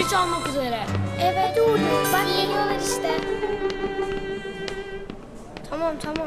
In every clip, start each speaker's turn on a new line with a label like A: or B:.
A: Zil çalmak üzere.
B: Evet. Hadi Uğur. Bak geliyorlar işte.
A: Tamam.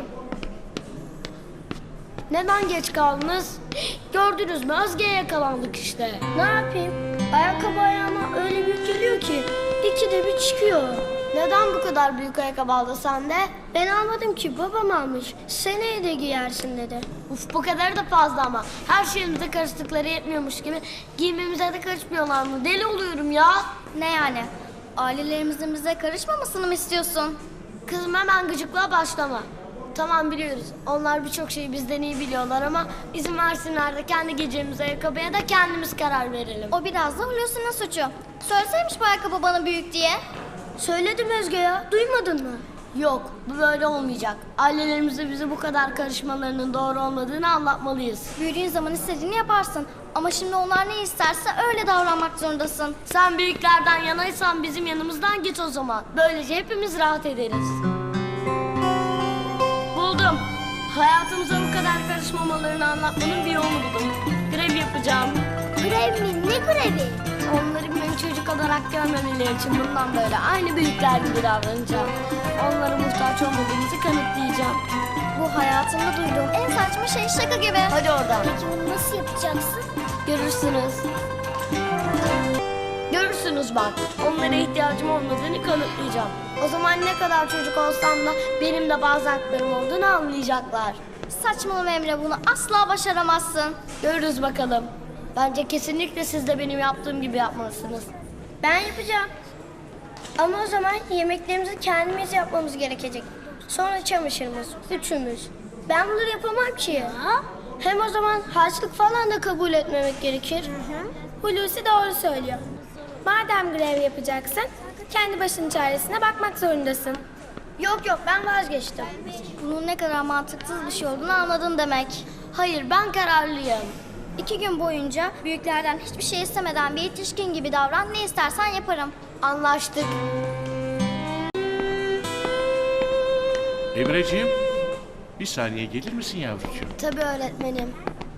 A: Neden geç kaldınız? Gördünüz mü? Özge'ye yakalandık işte.
B: Ne yapayım? Ayakkabı ayağıma öyle büyük geliyor ki ikide bir çıkıyor.
A: Neden bu kadar büyük ayakkabı aldı sende?
B: Ben almadım ki, babam almış. Seneye de giyersin dedi.
A: Uf, bu kadar da fazla ama. Her şeyimize karıştıkları yetmiyormuş gibi giymemize de karışmıyorlar mı? Deli oluyorum ya.
B: Ne yani? Ailelerimizin bize karışmamasını mı istiyorsun?
A: Kızım hemen gıcıklığa başlama. Tamam biliyoruz. Onlar birçok şeyi bizden iyi biliyorlar ama izin versinler de kendi giyeceğimiz ayakkabıya da kendimiz karar verelim.
B: O biraz da Hulusi'nin suçu. Söyleseymiş bu ayakkabı bana büyük diye. Söyledim Özge ya, duymadın mı?
A: Yok, bu böyle olmayacak. Ailelerimize bize bu kadar karışmalarının doğru olmadığını anlatmalıyız.
B: Büyüdüğün zaman istediğini yaparsın. Ama şimdi onlar ne isterse öyle davranmak zorundasın.
A: Sen büyüklerden yanaysan bizim yanımızdan git o zaman. Böylece hepimiz rahat ederiz. Buldum. Hayatımıza bu kadar karışmamalarını anlatmanın bir yolunu buldum. Grev yapacağım.
B: Grev mi? Ne grevi?
A: Onları beni çocuk olarak görmemeleri için bundan böyle aynı büyükler gibi davranacağım. Onlara muhtaç olmadığımızı kanıtlayacağım.
B: Bu hayatımda duyduğum en saçma şey, şaka gibi.
A: Hadi oradan.
B: Peki bunu nasıl yapacaksın?
A: Görürsünüz. Görürsünüz bak. Onlara ihtiyacım olmadığını kanıtlayacağım. O zaman ne kadar çocuk olsam da benim de bazı haklarım olduğunu anlayacaklar.
B: Saçmalama Emre, bunu asla başaramazsın.
A: Görürüz bakalım. Bence kesinlikle siz de benim yaptığım gibi yapmalısınız.
B: Ben yapacağım. Ama o zaman yemeklerimizi kendimiz yapmamız gerekecek. Sonra çamaşırımız, üçümüz. Ben bunları yapamam ki ya. Hem o zaman harçlık falan da kabul etmemek gerekir. Hulusi doğru söylüyor. Madem grev yapacaksın, kendi başının çaresine bakmak zorundasın. Yok ben vazgeçtim. Bunun ne kadar mantıksız bir şey olduğunu anladın demek.
A: Hayır, ben kararlıyım.
B: 2 gün boyunca büyüklerden hiçbir şey istemeden bir yetişkin gibi davran, ne istersen yaparım.
A: Anlaştık.
C: Emreciğim, bir saniye gelir misin yavrucuğum?
A: Tabii öğretmenim.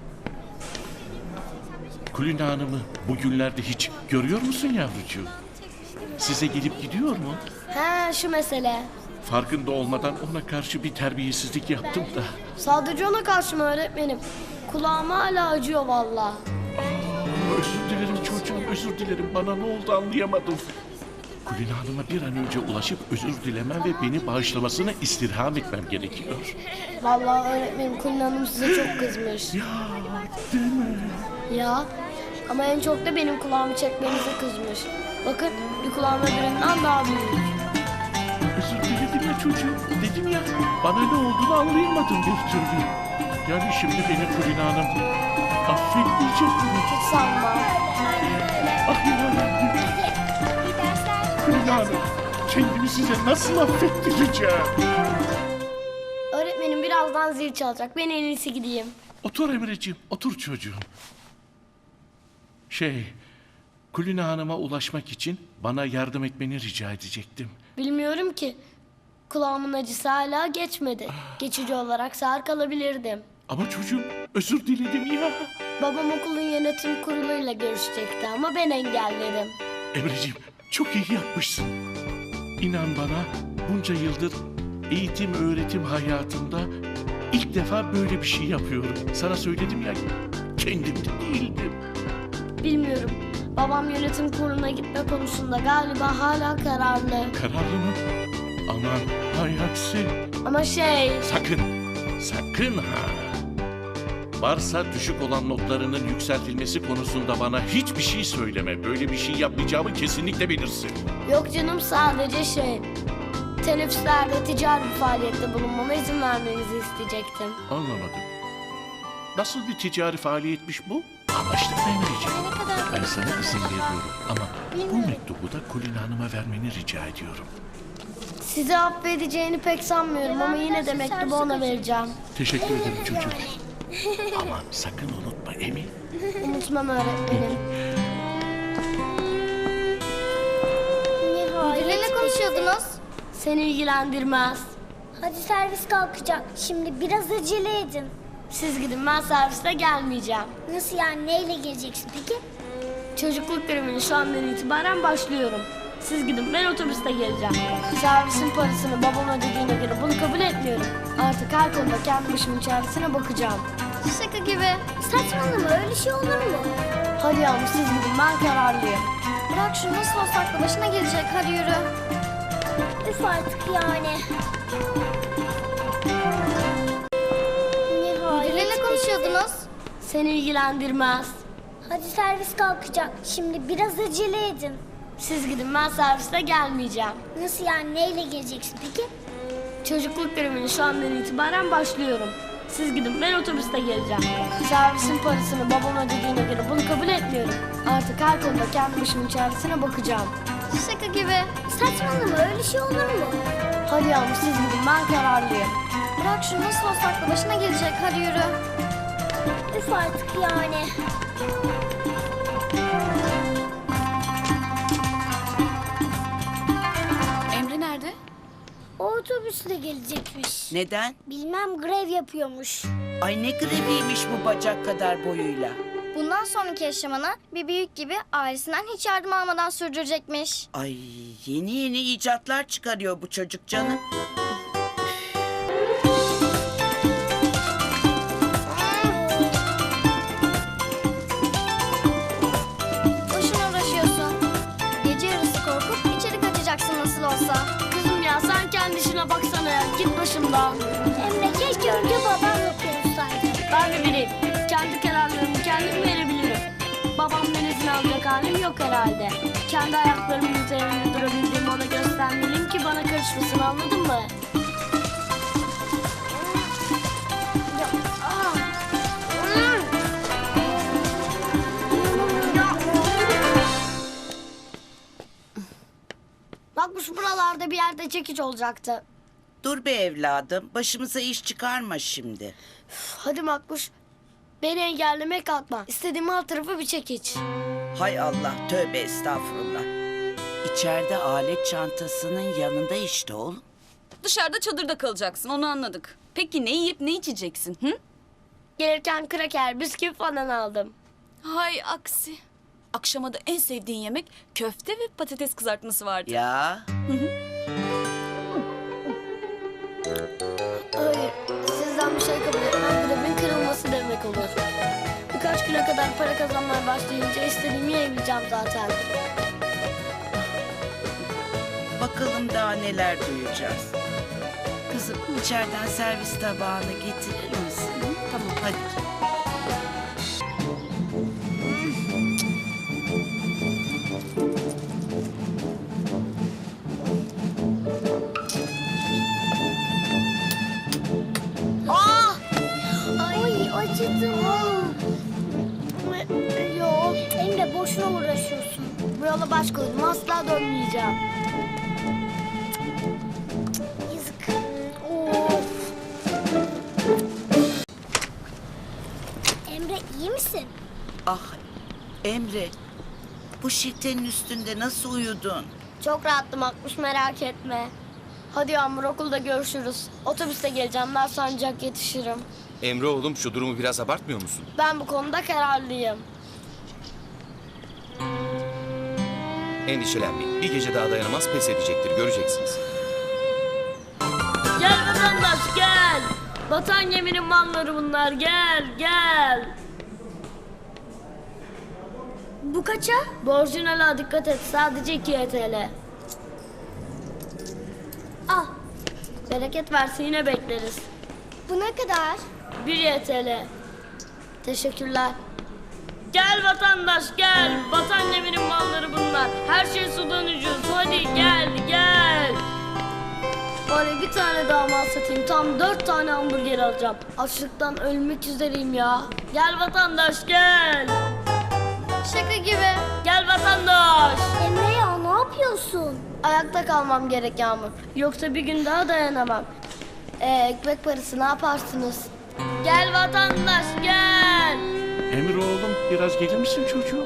C: Kulina Hanım'ı bugünlerde hiç görüyor musun yavrucuğum? Size gelip gidiyor mu?
A: He, şu mesele.
C: Farkında olmadan ona karşı bir terbiyesizlik yaptım da.
A: Sadece ona karşı mı öğretmenim? Kulağım hala acıyor vallahi.
C: Özür dilerim çocuğum, özür dilerim. Bana ne oldu anlayamadım. Kulina Hanım'a bir an önce ulaşıp özür dilemem ve beni bağışlamasını istirham etmem gerekiyor.
A: Vallahi öğretmenim, Kulin Hanım size çok kızmış.
C: Ya, değil mi?
A: Ya, ama en çok da benim kulağımı çekmenize kızmış. Bakın, bir kulağım öbüründen daha büyük.
C: Özür diledim ya çocuğum. Dedim ya, bana ne olduğunu anlayamadım bir türlü. Yani şimdi beni Kulina Hanım affetmeyecek mi?
A: Hiç sanmam.
C: Ah yarabbim. Kulina Hanım, kendimi size nasıl affettireceğim?
A: Öğretmenim birazdan zil çalacak. Ben en iyisi gideyim.
C: Otur Emreciğim, otur çocuğum. Kulina Hanım'a ulaşmak için bana yardım etmeni rica edecektim.
A: Bilmiyorum ki. Kulağımın acısı hala geçmedi. Geçici olarak sağır kalabilirdim.
C: Ama çocuğum, özür diledim ya.
A: Babam okulun yönetim kuruluyla görüşecekti ama ben engelledim.
C: Emreciğim, çok iyi yapmışsın. İnan bana, bunca yıldır eğitim öğretim hayatımda ilk defa böyle bir şey yapıyorum. Sana söyledim ya, kendimde değildim.
A: Bilmiyorum. Babam yönetim kuruluna gitme konusunda galiba hala kararlı.
C: Kararlı mı? Aman hay aksi.
A: Ama
C: Sakın ha. Varsa düşük olan notlarının yükseltilmesi konusunda bana hiçbir şey söyleme. Böyle bir şey yapmayacağımı kesinlikle bilirsin.
A: yok canım, sadece teneffüslerde ticari bir faaliyette bulunmama izin vermenizi isteyecektim.
C: Anlamadım. Nasıl bir ticari faaliyetmiş bu? Anlaştık mı Emre'ciğim? Ben sana izin veriyorum ama bu mektubu da Kulina Hanım'a vermeni rica ediyorum.
A: Sizi affedeceğini pek sanmıyorum ama yine de mektubu ona vereceğim.
C: Teşekkür ederim çocuğum. Aman sakın unutma Emin.
A: Unutmam öğretmenim.
B: Müdürle ne konuşuyordunuz?
A: Seni ilgilendirmez.
B: Hadi servis kalkacak. Şimdi biraz acele edin.
A: Siz gidin, ben serviste gelmeyeceğim.
B: Nasıl yani, neyle geleceksin peki?
A: Çocukluk grevine şu andan itibaren başlıyorum. Siz gidin, ben otobüste geleceğim. Servisin parasını babam ödediğine göre bunu kabul etmiyorum. Artık her konuda kendi başımın çaresine bakacağım.
B: Şaka gibi. Saçmalama, öyle şey olur mu?
A: Hadi Yağmur siz gidin, ben kararlıyım.
B: Bırak şunu, nasıl olsa aklı başına gelecek. Hadi yürü. Üf artık yani. Müdürle konuşuyordunuz.
A: Seni ilgilendirmez.
B: Hadi servis kalkacak. Şimdi biraz acele edin.
A: Siz gidin, ben serviste gelmeyeceğim.
B: Nasıl yani, neyle geleceksin peki?
A: Çocukluk grevine şu andan itibaren başlıyorum. Siz gidin, ben otobüste geleceğim. Servisin parasını babam ödediğine göre bunu kabul etmiyorum. Artık her konuda kendi başımın çaresine bakacağım.
B: Şaka gibi. Saçmalama, öyle şey olur mu?
A: Hadi Yağmur siz gidin, ben kararlıyım.
B: Bırak şunu, nasıl olsa aklı başına gelecek. Hadi yürü. Üf artık yani.
D: Emre nerede?
B: O otobüsle gelecekmiş.
E: Neden?
B: Bilmem, grev yapıyormuş.
E: Ay ne greviymiş bu bacak kadar boyuyla.
B: Bundan sonraki yaşamını bir büyük gibi ailesinden hiç yardım almadan sürdürecekmiş.
E: Ay yeni yeni icatlar çıkarıyor bu çocuk canım.
B: Boşuna uğraşıyorsun. Gece yarısı korkup içeri kaçacaksın nasıl olsa.
A: Kızım ya sen kendi işine baksana ya, git başımdan.
B: Emre, keşke önce babamla konuşsaydın.
A: Ben de biriyim. Kendi kararlarımı kendim verebilirim. Babamdan izin alacak halim yok herhalde. Kendi ayaklarımın üzerinde durabildiğimi ona göstermeliyim ki bana karışmasın, anladın mı? Bak bu şu buralarda bir yerde çekiç olacaktı.
E: Dur be evladım, başımıza iş çıkarma şimdi.
A: Hadi Makbuş. Beni engellemeye kalkma. İstediğim alt tarafı bir çekiç.
E: Hay Allah, tövbe estağfurullah. İçeride alet çantasının yanında işte oğlum.
D: Dışarıda çadırda kalacaksın, onu anladık. Peki ne yiyip ne içeceksin? Hı?
A: Gelirken kraker, bisküvi falan aldım.
D: Hay aksi. Akşama da en sevdiğin yemek köfte ve patates kızartması vardı.
E: Ya
A: Hayır, sizden bir şey kabul etmem grevin kırılması demek olur. Birkaç güne kadar para kazanmaya başlayınca istediğimi yiyebileceğim zaten.
E: bakalım daha neler duyacağız. Kızım içeriden servis tabağını getirir misin? Tamam hadi.
B: Ay, acıdım.
A: Yok,
B: Emre, boşuna uğraşıyorsun.
A: bu yola baş koydum, asla dönmeyeceğim.
B: Yazık. Of. Emre, iyi misin?
E: Ah Emre, bu şiltenin üstünde nasıl uyudun?
A: Çok rahattım Makbuş, merak etme. Hadi Yağmur, okulda görüşürüz. Otobüste geleceğim, ders ancak yetişirim.
F: Emre oğlum şu durumu biraz abartmıyor musun?
A: Ben bu konuda kararlıyım.
F: Endişelenmeyin. Bir gece daha dayanamaz pes edecektir. Göreceksiniz.
A: Gel vatandaş gel. Vatan geminin malları bunlar, gel gel.
B: Bu kaça?
A: Borcuna dikkat et, sadece 2 TL.
B: Al.
A: Bereket versin, yine bekleriz.
B: Bu ne kadar?
A: 1 TL. Teşekkürler. Gel vatandaş gel. Vatan geminin malları bunlar. Her şey sudan ucuz. Hadi gel gel. Bari bir tane daha mal satayım. Tam 4 tane hamburger alacağım. Açlıktan ölmek üzereyim ya. Gel vatandaş gel.
B: Şaka gibi.
A: Gel vatandaş.
B: Emre ya, ne yapıyorsun?
A: Ayakta kalmam gerek Yağmur. Yoksa bir gün daha dayanamam. Ekmek parası ne yaparsınız? Gel vatandaş gel.
C: Emir oğlum biraz gelir misin çocuğum?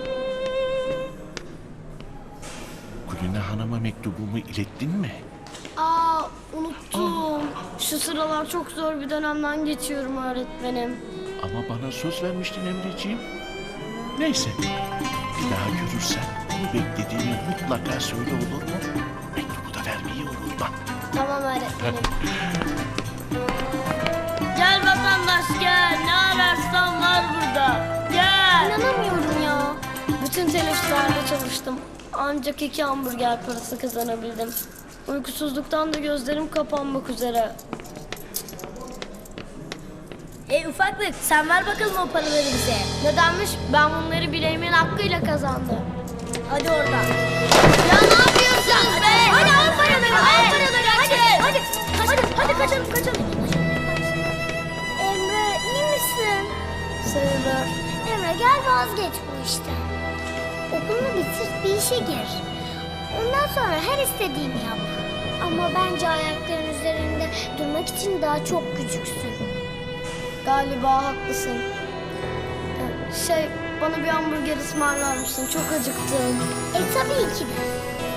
C: Kulina Hanım'a mektubumu ilettin mi?
A: Aa unuttum. Şu sıralar çok zor bir dönemden geçiyorum öğretmenim.
C: Ama bana söz vermiştin Emreciğim. Neyse bir daha görürsen onu beklediğimi mutlaka söyle, olur mu? Mektubu da vermeyi unutma.
B: Tamam öğretmenim.
A: Gel vatandaş gel. Ne ararsan var burada. Gel.
B: İnanamıyorum ya. Bütün teneffüslerde çalıştım. Ancak 2 hamburger parası kazanabildim. Uykusuzluktan da gözlerim kapanmak üzere. Ufaklık sen ver bakalım o paraları bize. Nedenmiş? Ben bunları bileğimin hakkıyla kazandım. Hadi oradan. Ya ne yapıyorsun be? Hadi al paraları, al paraları. Hadi kaçalım. Emre iyi misin? Sayılır. Emre gel vazgeç bu işten. Okulunu bitir, bir işe gir. Ondan sonra her istediğini yap. Ama bence ayakların üzerinde durmak için daha çok küçüksün. Galiba haklısın. Bana bir hamburger ısmarlar mısın? Çok acıktım. Tabii ki de.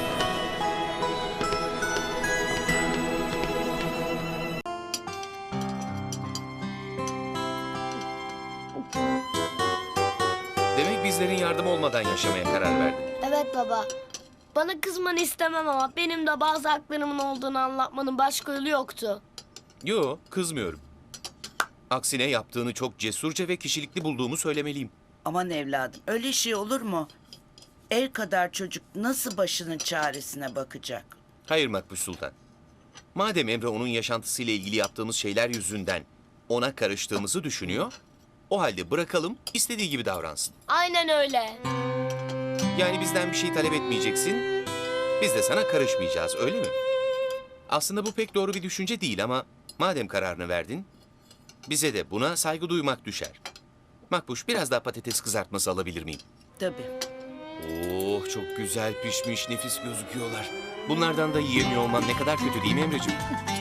F: Demek bizlerin yardım olmadan yaşamaya karar verdin.
A: Evet baba. Bana kızmanı istemem ama benim de bazı haklarımın olduğunu anlatmanın başka yolu yoktu.
F: Yo, kızmıyorum. Aksine yaptığını çok cesurca ve kişilikli bulduğumu söylemeliyim.
E: Aman evladım, öyle şey olur mu? El kadar çocuk nasıl başının çaresine bakacak?
F: Hayır Makbuş Sultan. Madem Emre onun yaşantısıyla ilgili yaptığımız şeyler yüzünden ona karıştığımızı düşünüyor, o halde bırakalım, istediği gibi davransın.
A: Aynen öyle.
F: Yani bizden bir şey talep etmeyeceksin, biz de sana karışmayacağız, öyle mi? Aslında bu pek doğru bir düşünce değil ama madem kararını verdin, bize de buna saygı duymak düşer. Makbuş, biraz daha patates kızartması alabilir miyim?
E: Tabii.
F: Oh, çok güzel pişmiş, nefis gözüküyorlar. Bunlardan da yiyemiyor olman ne kadar kötü değil mi Emreciğim?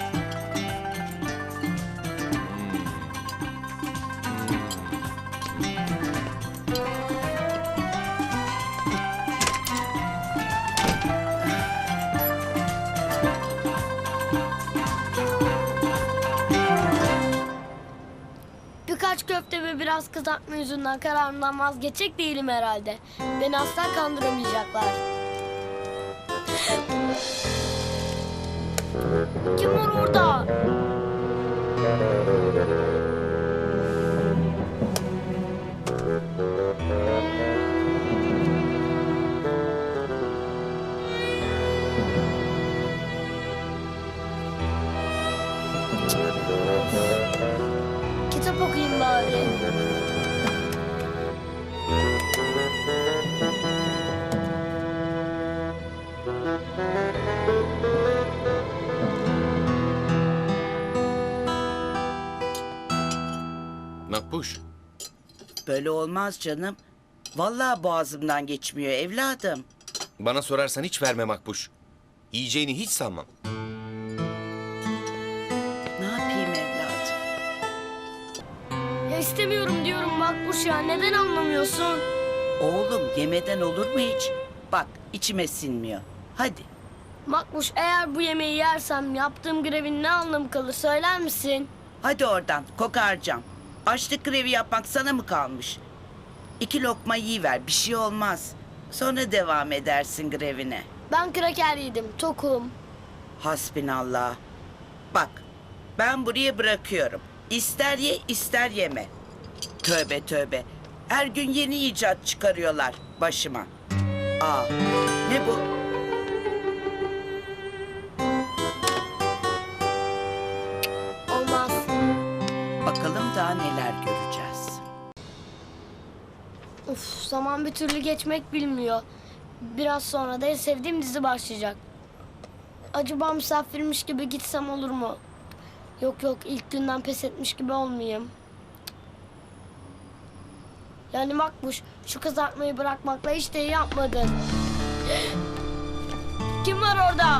A: Birkaç köfte ve biraz kızartma yüzünden kararımdan vazgeçecek değilim herhalde. Beni asla kandıramayacaklar. Kim var orada? Kitap okuyayım bari.
F: Makbuş,
E: Böyle olmaz canım. Vallahi boğazımdan geçmiyor evladım.
F: bana sorarsan hiç verme Makbuş. Yiyeceğini hiç sanmam.
E: Ne yapayım evladım?
A: Ya istemiyorum diyorum Makbuş ya. Neden anlamıyorsun?
E: Oğlum yemeden olur mu hiç? Bak içime sinmiyor. Hadi.
A: Makbuş eğer bu yemeği yersem yaptığım grevin ne anlamı kalır söyler misin?
E: Hadi oradan kokarcam. Açlık grevi yapmak sana mı kalmış? 2 lokma yiyiver, bir şey olmaz. Sonra devam edersin grevine.
A: Ben kraker yedim, tokum.
E: Hasbinallah. Bak, ben buraya bırakıyorum. İster ye, ister yeme. Tövbe tövbe. Her gün yeni icat çıkarıyorlar başıma. Aa, ne bu?
A: Olmaz.
E: Bakalım daha neler göreceğiz.
A: Uf, zaman bir türlü geçmek bilmiyor. Biraz sonra da en sevdiğim dizi başlayacak. Acaba misafirmiş gibi gitsem olur mu? Yok ilk günden pes etmiş gibi olmayayım. Yani Makbuş şu kızartmayı bırakmakla hiç de iyi yapmadın. Kim var orada?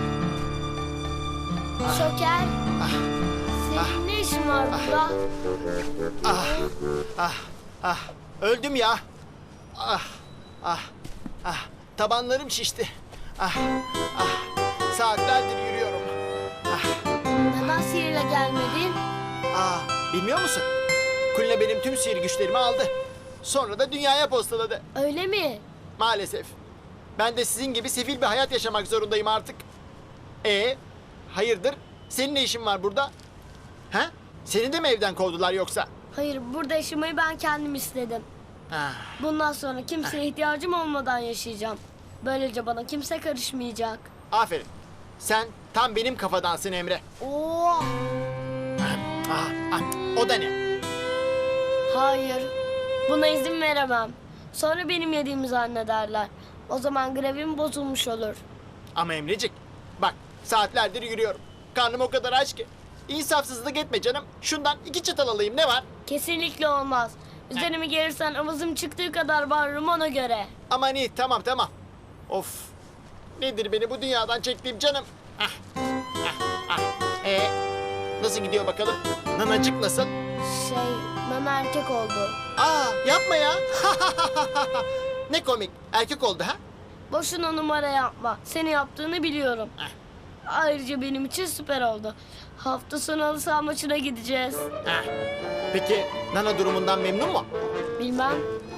A: Şoker. Senin ne işin var burada?
G: Öldüm ya. Tabanlarım şişti. Saatlerdir yürüyorum.
A: Neden sihirle gelmedin?
G: Bilmiyor musun? Kulina benim tüm sihir güçlerimi aldı. Sonra da dünyaya postaladı.
A: Öyle mi?
G: Maalesef. Ben de sizin gibi sefil bir hayat yaşamak zorundayım artık. Hayırdır? Senin ne işin var burada? Ha? Seni de mi evden kovdular yoksa?
B: Hayır, burada yaşamayı ben kendim istedim.
G: Ah,
B: Bundan sonra kimseye ihtiyacım olmadan yaşayacağım. Böylece bana kimse karışmayacak.
G: aferin. Sen tam benim kafadansın Emre.
B: Oo,
G: O da ne?
B: hayır. Buna izin veremem. Sonra benim yediğimi zannederler. O zaman grevim bozulmuş olur.
G: Ama Emrecik, bak saatlerdir yürüyorum. Karnım o kadar aç ki. İnsafsızlık etme canım. Şundan 2 çatal alayım, ne var?
B: Kesinlikle olmaz. Üzerime gelirsen avazım çıktığı kadar bağırırım ona göre.
G: Aman iyi, tamam tamam. Of. Nedir beni bu dünyadan çektiğim canım? Nasıl gidiyor bakalım? Nanacık nasıl?
B: Nana erkek oldu.
G: Yapma ya. Ne komik. Erkek oldu ha?
B: Boşuna numara yapma. Seni yaptığını biliyorum. Ayrıca benim için süper oldu. Hafta sonu halı saha maçına gideceğiz.
G: Peki Nana durumundan memnun mu?
B: Bilmem.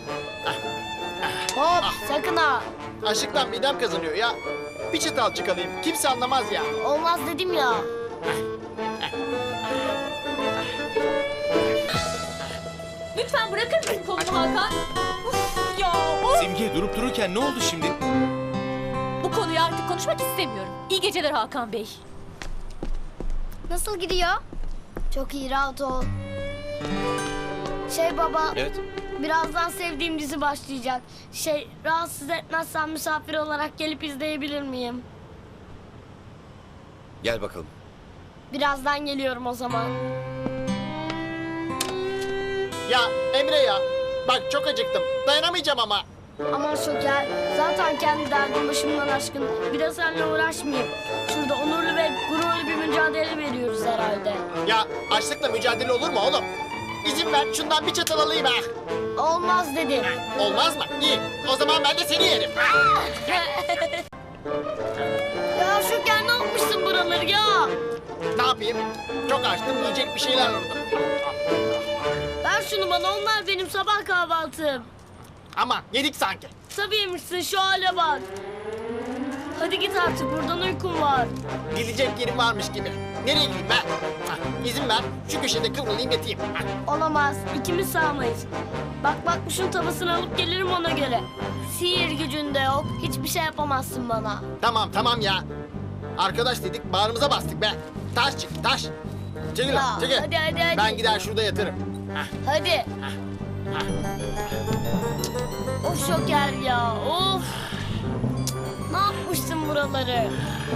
B: Hop sakın ha.
G: Açlıktan midem kazanıyor ya. Bir çatal çıkalayım. Kimse anlamaz ya.
B: Olmaz dedim ya.
D: Lütfen bırakır mısın kolumu Hakan? Uf ya of.
F: Simge durup dururken ne oldu şimdi?
D: Bu konuyu artık konuşmak istemiyorum. İyi geceler Hakan Bey.
B: Nasıl gidiyor? Çok iyi, rahat ol. Baba,
F: Evet.
B: birazdan sevdiğim dizi başlayacak. Rahatsız etmezsen misafir olarak gelip izleyebilir miyim?
F: Gel bakalım.
B: Birazdan geliyorum o zaman.
G: Ya Emre ya. Bak çok acıktım. Dayanamayacağım ama.
B: Aman Şoker, zaten kendi derdim başımdan aşkın. Bir de seninle uğraşmayayım. Şurada onurlu ve gururlu bir mücadele veriyoruz herhalde.
G: Ya açlıkla mücadele olur mu oğlum? İzin ver şundan bir çatal alayım ha.
B: Olmaz dedim.
G: Olmaz mı? İyi. O zaman ben de seni yerim.
B: Ya Şoker, ne yapmışsın buraları ya?
G: Ne yapayım? Çok açtım. Yiyecek bir şeyler aradım.
B: Ver şunu bana, onlar benim sabah kahvaltım.
G: Ama yedik sanki.
B: Tabii yemişsin, şu hale bak. Hadi git artık, buradan uykum var.
G: Gidecek yerim varmış gibi. Nereye gideyim ben? İzin ver. Şu köşede kıvrılayım yatayım.
B: Olamaz, ikimiz sağmayız. Bak şunun tavasını alıp gelirim ona göre. Sihir gücünde yok, hiçbir şey yapamazsın bana.
G: Tamam ya. Arkadaş dedik bağrımıza bastık be. Taş çık taş. Çekil
B: Ya,
G: lan çekil.
B: hadi.
G: Ben gider şurada yatırım.
B: Hadi. Of Şoker ya, of. Ne yapmışsın buraları?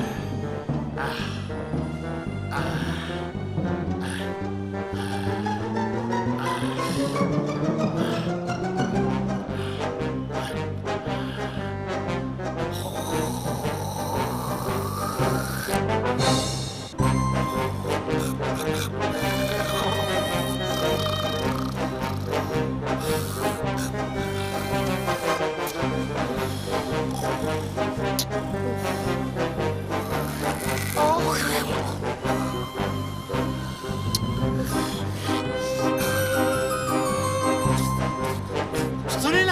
G: Sunila!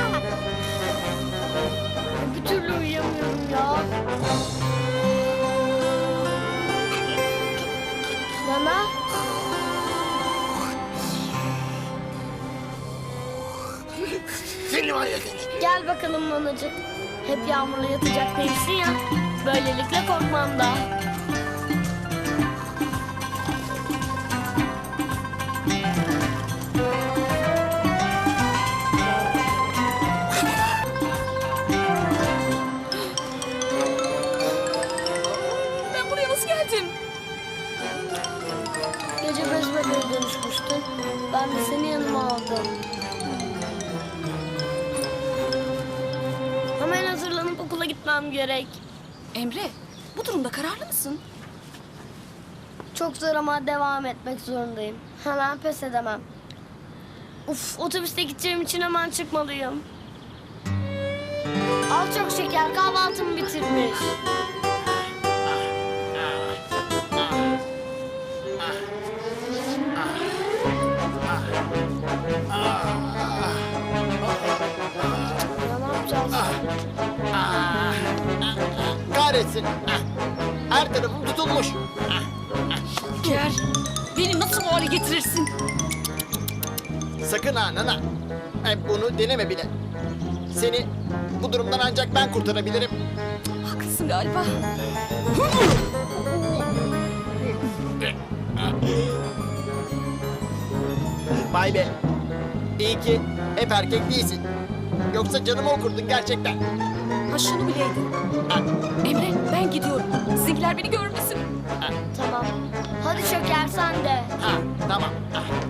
B: Bir türlü uyuyamıyorum ya. Nana?
G: Seni var ya seni.
B: Gel bakalım nanacık. Hep yağmurla yatacak değilsin ya. Böylelikle korkmam da.
D: Ben buraya nasıl geldim?
B: Gece bez bebeğe dönüşmüştün. Ben de seni yanıma aldım. Hemen hazırlanıp okula gitmem gerek.
D: Emre, bu durumda kararlı mısın?
B: Çok zor ama devam etmek zorundayım. Hemen pes edemem. Uf, otobüste gideceğim için hemen çıkmalıyım. Al çok şeker, kahvaltımı bitirmiş. Ya ne yapacağız?
G: kahretsin. Ah, her tarafım tutulmuş.
D: Şoker, beni nasıl bu hale getirirsin?
G: Sakın ha Nana. Bunu deneme bile. Seni bu durumdan ancak ben kurtarabilirim.
D: Haklısın galiba.
G: Vay be. İyi ki hep erkek değilsin. Yoksa canımı okurdun gerçekten.
D: Ha şunu bileydin.
G: Ah,
D: Emre, ben gidiyorum. Sizinkiler beni görmesin.
B: Tamam. Hadi Şoker sen de.
G: ah, tamam. Ah.